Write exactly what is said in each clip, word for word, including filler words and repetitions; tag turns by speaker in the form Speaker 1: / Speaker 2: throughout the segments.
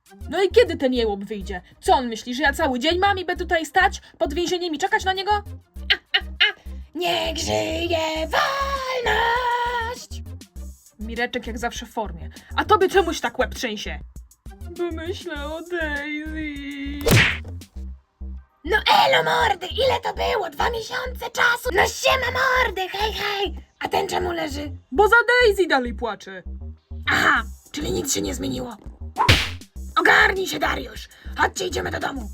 Speaker 1: No i kiedy ten jełop wyjdzie? Co on myśli, że ja cały dzień mam i będę tutaj stać pod więzieniem i czekać na niego? A, a, a. Niech żyje wolność! Mireczek jak zawsze w formie. A tobie czemuś tak łeb trzęsie? Bo myślę o Daisy. No elo mordy, ile to było? Dwa miesiące czasu? No siema mordy, hej hej! A ten czemu leży? Bo za Daisy dalej płacze. Aha, czyli nic się nie zmieniło. Ogarnij się, Dariusz! Chodźcie, idziemy do domu.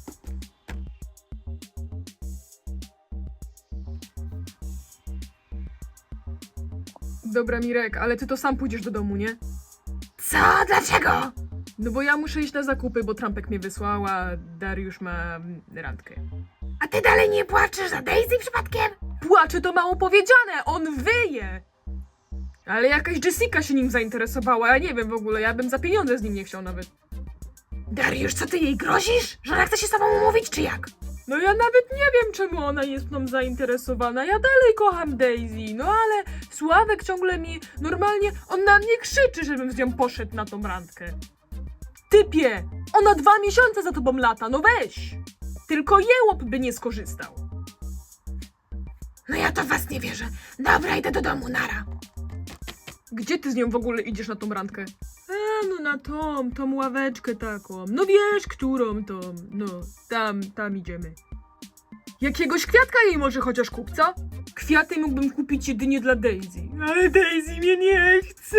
Speaker 1: Dobra, Mirek, ale ty to sam pójdziesz do domu, nie? Co? Dlaczego? No bo ja muszę iść na zakupy, bo Trampek mnie wysłał, a Dariusz ma randkę. A ty dalej nie płaczesz za Daisy przypadkiem? Płacze to mało powiedziane, on wyje! Ale jakaś Jessica się nim zainteresowała, ja nie wiem w ogóle, ja bym za pieniądze z nim nie chciał nawet. Dariusz, co ty jej grozisz? Że ona chce się z tobą umówić, czy jak? No ja nawet nie wiem, czemu ona jest mną zainteresowana, ja dalej kocham Daisy, no ale Sławek ciągle mi, normalnie, on na mnie krzyczy, żebym z nią poszedł na tą randkę. Typie, ona dwa miesiące za tobą lata, no weź! Tylko jełop by nie skorzystał. No ja to w was nie wierzę. Dobra, idę do domu, nara. Gdzie ty z nią w ogóle idziesz na tą randkę? A, no na tą, tą ławeczkę taką. No wiesz, którą tą, no, tam, tam idziemy. Jakiegoś kwiatka jej może chociaż kup, co? Kwiaty mógłbym kupić jedynie dla Daisy. Ale Daisy mnie nie chce!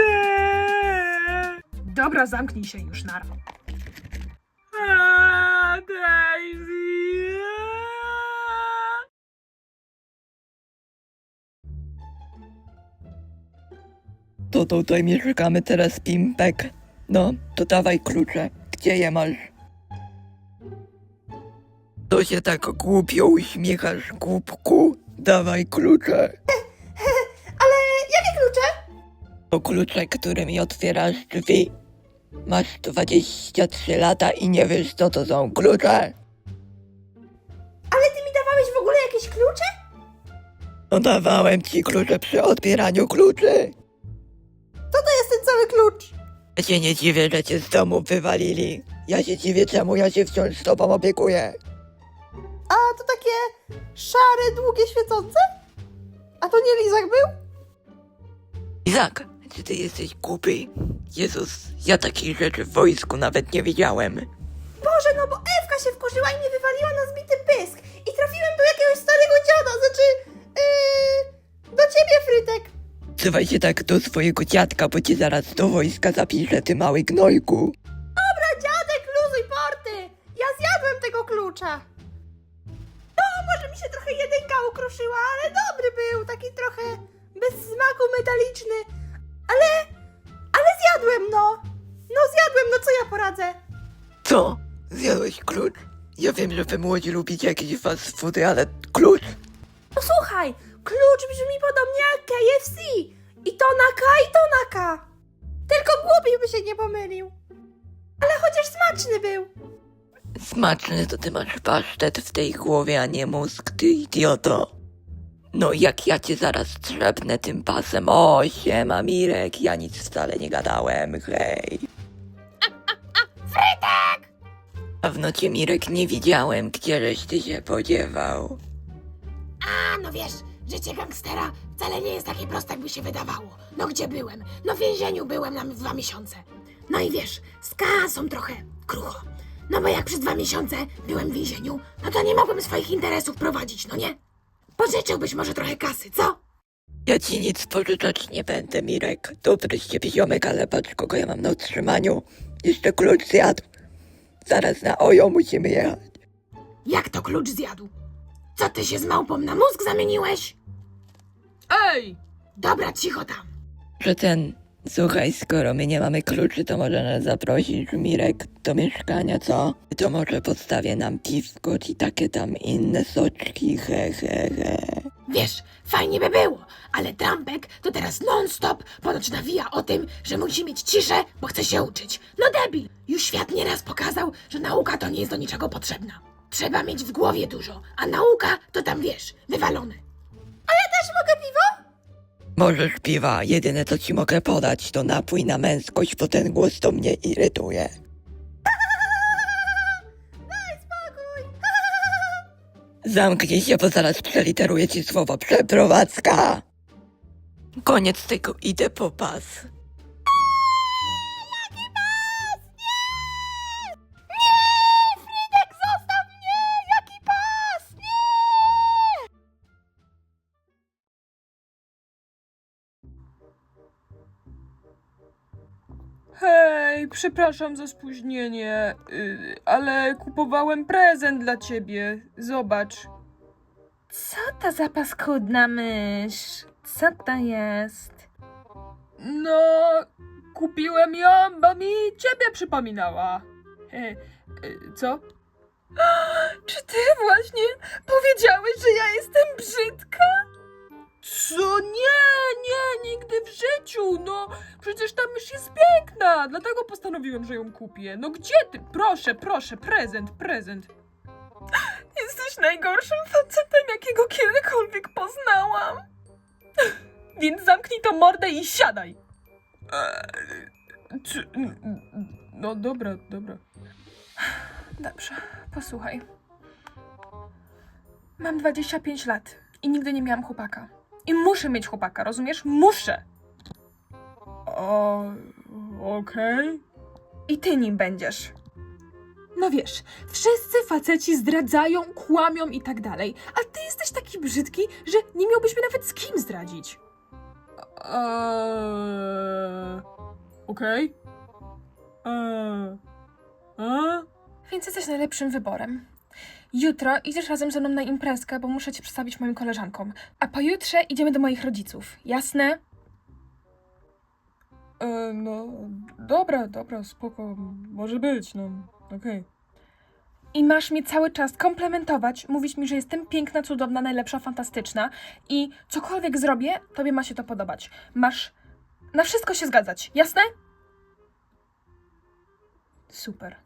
Speaker 1: Dobra, zamknij się już, nara. A, Daisy!
Speaker 2: To tutaj mieszkamy teraz, Pimpek. No, to dawaj klucze. Gdzie je masz? To się tak głupio uśmiechasz, głupku. Dawaj klucze.
Speaker 3: Ale jakie klucze?
Speaker 2: To klucze, którymi otwierasz drzwi. Masz dwadzieścia trzy lata i nie wiesz, co to są klucze?
Speaker 3: Ale ty mi dawałeś w ogóle jakieś klucze?
Speaker 2: No dawałem ci klucze przy otwieraniu kluczy.
Speaker 3: To to jest ten cały klucz.
Speaker 2: Ja się nie dziwię, że cię z domu wywalili. Ja się dziwię, czemu ja się wciąż z tobą opiekuję.
Speaker 3: A to takie szare, długie, świecące? A to nie lizak był?
Speaker 2: Izak, czy ty jesteś głupi? Jezus, ja takich rzeczy w wojsku nawet nie widziałem.
Speaker 3: Boże, no bo Ewka się wkurzyła i mnie wywaliła na zbity pysk. I trafiłem do jakiegoś starego dziada, znaczy... Yy, do ciebie, Frytek.
Speaker 2: Trzymaj się tak do swojego dziadka, bo cię zaraz do wojska zapiszę, ty mały gnojku.
Speaker 3: Dobra, dziadek, luzuj porty. Ja zjadłem tego klucza. No, może mi się trochę jedynka ukruszyła, ale dobry był, taki trochę bez smaku, metaliczny. Ale, ale zjadłem, no. No zjadłem, no co ja poradzę?
Speaker 2: Co? Zjadłeś klucz? Ja wiem, że wy młodzi lubicie jakieś fast foody, ale klucz?
Speaker 3: No słuchaj, klucz brzmi podobnie jak K F C. I to na K, i to na K. Tylko głupi by się nie pomylił. Ale chociaż smaczny był.
Speaker 2: Smaczny to ty masz pasztet w tej głowie, a nie mózg, ty idioto. No jak ja cię zaraz trzepnę tym pasem. O, siema Mirek, ja nic wcale nie gadałem, hej.
Speaker 1: Frytek!
Speaker 2: Dawno cię, Mirek, nie widziałem, gdzieżeś ty się podziewał.
Speaker 1: A, no wiesz, życie gangstera wcale nie jest takie proste, jakby się wydawało. No gdzie byłem? No w więzieniu byłem na dwa miesiące. No i wiesz, z kasą trochę krucho. No bo jak przez dwa miesiące byłem w więzieniu, no to nie mogłem swoich interesów prowadzić, no nie? Pożyczyłbyś może trochę kasy, co?
Speaker 2: Ja ci nic pożyczać nie będę, Mirek. Dobry z ciebie ziomek, ale patrz, kogo ja mam na utrzymaniu. Jeszcze klucz zjadł. Zaraz na ojo musimy jechać.
Speaker 1: Jak to klucz zjadł? Co ty się z małpą na mózg zamieniłeś? Ej! Dobra, cicho tam.
Speaker 2: Że ten... Słuchaj, skoro my nie mamy kluczy, to może nas zaprosisz, Mirek, do mieszkania, co? To może podstawię nam piwko i takie tam inne soczki, he, he, he.
Speaker 1: Wiesz, fajnie by było, ale Trampek to teraz non-stop ponoć nawija o tym, że musi mieć ciszę, bo chce się uczyć. No debil! Już świat nieraz pokazał, że nauka to nie jest do niczego potrzebna. Trzeba mieć w głowie dużo, a nauka to tam wiesz, wywalone.
Speaker 3: A ja też mogę piwo?
Speaker 2: Możesz piwa, jedyne co ci mogę podać to napój na męskość, bo ten głos to mnie irytuje. Zamknij się, bo zaraz przeliteruję ci słowo przeprowadzka. Koniec tego, idę po pas.
Speaker 3: Frytek, zostaw mnie! Jaki pas? Nie!
Speaker 1: Hej, przepraszam za spóźnienie, yy, ale kupowałem prezent dla ciebie. Zobacz.
Speaker 3: Co to za paskudna mysz? Co to jest?
Speaker 1: No, kupiłem ją, bo mi ciebie przypominała. He, yy, co? Czy ty właśnie powiedziałeś, że ja jestem brzydka? Co? Nie, nie, nigdy w życiu. No, przecież ta mysz jest piękna. Dlatego postanowiłem, że ją kupię. No gdzie ty? Proszę, proszę, prezent, prezent. Jesteś najgorszym facetem, jakiego kiedykolwiek poznałam. Więc zamknij tą mordę i siadaj. Eee, czy, no dobra, dobra. Dobrze, posłuchaj. Mam dwadzieścia pięć lat i nigdy nie miałam chłopaka. I muszę mieć chłopaka, rozumiesz? Muszę! O, okej. I ty nim będziesz. No wiesz, wszyscy faceci zdradzają, kłamią i tak dalej, a ty jesteś taki brzydki, że nie miałbyś mnie nawet z kim zdradzić. Eee, okej. Eee, a? Więc jesteś najlepszym wyborem. Jutro idziesz razem ze mną na imprezkę, bo muszę cię przedstawić moim koleżankom. A pojutrze idziemy do moich rodziców. Jasne? E, no, dobra, dobra, spoko. Może być, no, okej. I masz mnie cały czas komplementować, mówić mi, że jestem piękna, cudowna, najlepsza, fantastyczna i cokolwiek zrobię, tobie ma się to podobać. Masz na wszystko się zgadzać. Jasne? Super.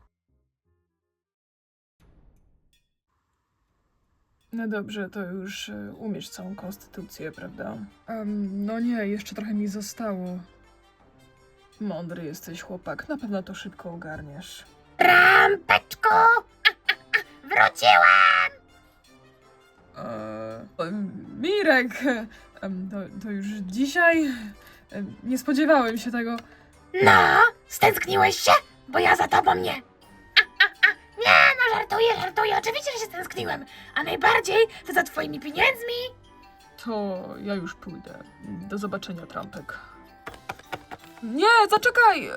Speaker 1: No dobrze, to już y, umiesz całą konstytucję, prawda? Um, no nie, jeszcze trochę mi zostało. Mądry jesteś, chłopak. Na pewno to szybko ogarniesz.
Speaker 3: Trampeczku! Wróciłam!
Speaker 1: Eee, Mirek! em, To, to już dzisiaj? Em, Nie spodziewałem się tego.
Speaker 3: No, stęskniłeś się? Bo ja za tobą nie. A, a, a. Nie, no żartuję, żartuję. Oczywiście, że się stęskniłem. A najbardziej to za twoimi pieniędzmi.
Speaker 1: To ja już pójdę. Do zobaczenia, Trampek. Nie, zaczekaj!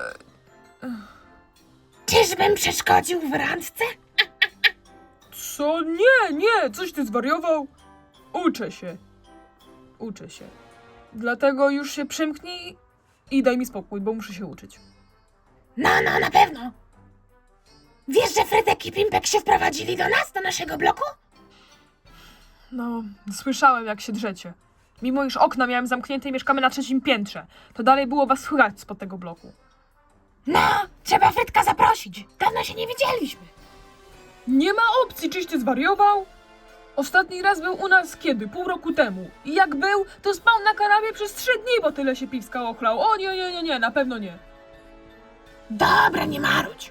Speaker 3: Czyżbym przeszkodził w randce?
Speaker 1: Co? Nie, nie! Coś ty zwariował? Uczę się. Uczę się. Dlatego już się przymknij i daj mi spokój, bo muszę się uczyć.
Speaker 3: No, no, na pewno. Wiesz, że Frytek i Pimpek się wprowadzili do nas, do naszego bloku?
Speaker 1: No, słyszałem jak się drzecie. Mimo iż okna miałem zamknięte i mieszkamy na trzecim piętrze, to dalej było was słychać spod tego bloku.
Speaker 3: No, trzeba Frytka zaprosić. Dawno się nie widzieliśmy.
Speaker 1: Nie ma opcji, czyś ty zwariował? Ostatni raz był u nas kiedy? Pół roku temu. I jak był, to spał na kanapie przez trzy dni, bo tyle się piwska ochlał. O nie, nie, nie, nie, na pewno nie.
Speaker 3: Dobra, nie marudź.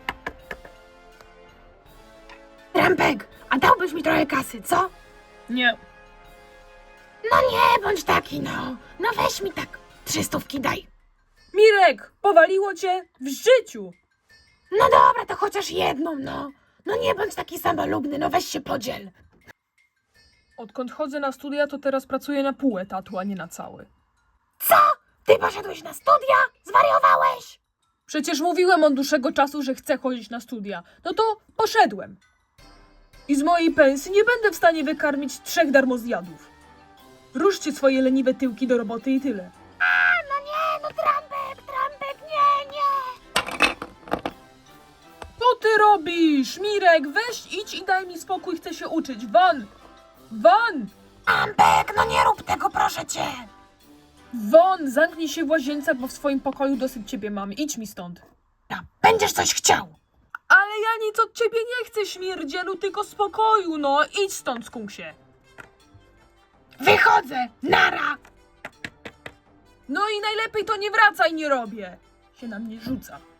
Speaker 3: Trampek, a dałbyś mi trochę kasy, co?
Speaker 1: Nie.
Speaker 3: No nie, bądź taki, no. No weź mi tak. Trzy stówki daj.
Speaker 1: Mirek, powaliło cię w życiu.
Speaker 3: No dobra, to chociaż jedną, no. No nie bądź taki samolubny, no weź się podziel.
Speaker 1: Odkąd chodzę na studia, to teraz pracuję na pół etatu, a nie na cały.
Speaker 3: Co? Ty poszedłeś na studia? Zwariowałeś?
Speaker 1: Przecież mówiłem od dłuższego czasu, że chcę chodzić na studia. No to poszedłem. I z mojej pensji nie będę w stanie wykarmić trzech darmozjadów. Ruszcie swoje leniwe tyłki do roboty i tyle.
Speaker 3: A, no nie, no Trampek, Trampek, nie, nie.
Speaker 1: Co ty robisz? Mirek, weź idź i daj mi spokój, chcę się uczyć. Van! Van!
Speaker 3: Trampek, no nie rób tego, proszę cię.
Speaker 1: Won, zamknij się w łazience, bo w swoim pokoju dosyć ciebie mam. Idź mi stąd.
Speaker 3: No, będziesz coś chciał.
Speaker 1: Ale ja nic od ciebie nie chcę, śmierdzielu, tylko spokoju, no. Idź stąd, skunksie.
Speaker 3: Wychodzę, nara.
Speaker 1: No i najlepiej to nie wracaj, nie robię. Się na mnie rzuca.